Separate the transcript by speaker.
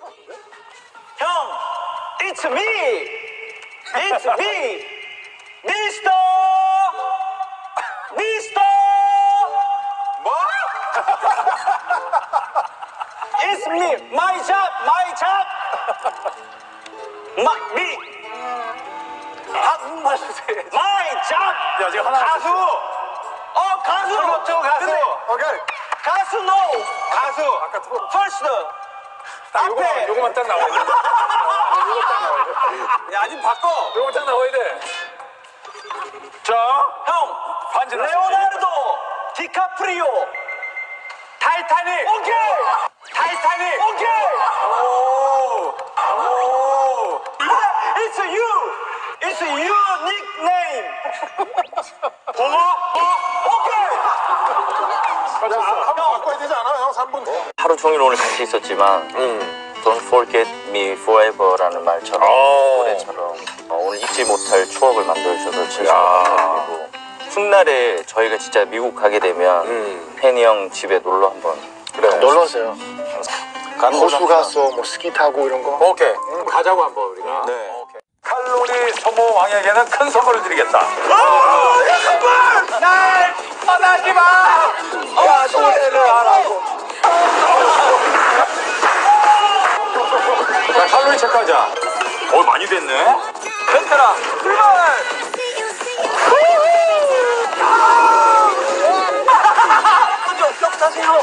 Speaker 1: 형, it's me, it's me, 미스터, 미스터.
Speaker 2: 뭐?
Speaker 1: It's me, my job, my job. me,
Speaker 2: 한국말 주세요.
Speaker 1: my job.
Speaker 2: 야, 지금 하나
Speaker 1: 가수. 가수.
Speaker 2: 그렇죠, 가수.
Speaker 1: 근데
Speaker 2: 오케이.
Speaker 1: 가수 no.
Speaker 2: 가수. 아까 두 번.
Speaker 1: First. 앞에.
Speaker 2: 요거만 딱 나와야 돼. 요거 딱 나와야 돼. 야, 아니 바꿔. 요거 딱 나와야 돼. 자,
Speaker 1: 형,
Speaker 2: 반지
Speaker 1: 레오나르도 디카프리오. 타이타닉. 오케이. 타이타닉. 오케이.
Speaker 2: 오. 오.
Speaker 1: It's you. It's your nickname. 오케이.
Speaker 2: 한번 바꿔야 되지 않아? 형 3분.
Speaker 3: 하루 종일 오늘 같이 있었지만 Don't forget me forever라는 말처럼 노래처럼 오늘 잊지 못할 추억을 만들어주셔서 진심으로 감사드리고 훗날에 저희가 진짜 미국 가게 되면 팬이 형 집에 놀러 한번
Speaker 4: 놀러 오세요. 호수
Speaker 3: 가서
Speaker 4: 가서 뭐 스키 타고 이런 거.
Speaker 2: 오케이. 가자고 한번 우리가.
Speaker 3: 네.
Speaker 2: 오케이. 칼로리 소모 왕에게는 큰 선물을 드리겠다.
Speaker 1: 선물! 날 떠나지 마!
Speaker 2: 야, 노래를 하라고. 자, 칼로리 체크하자. 많이 됐네.
Speaker 1: 베테랑 출발! 먼저 쏙 사세요.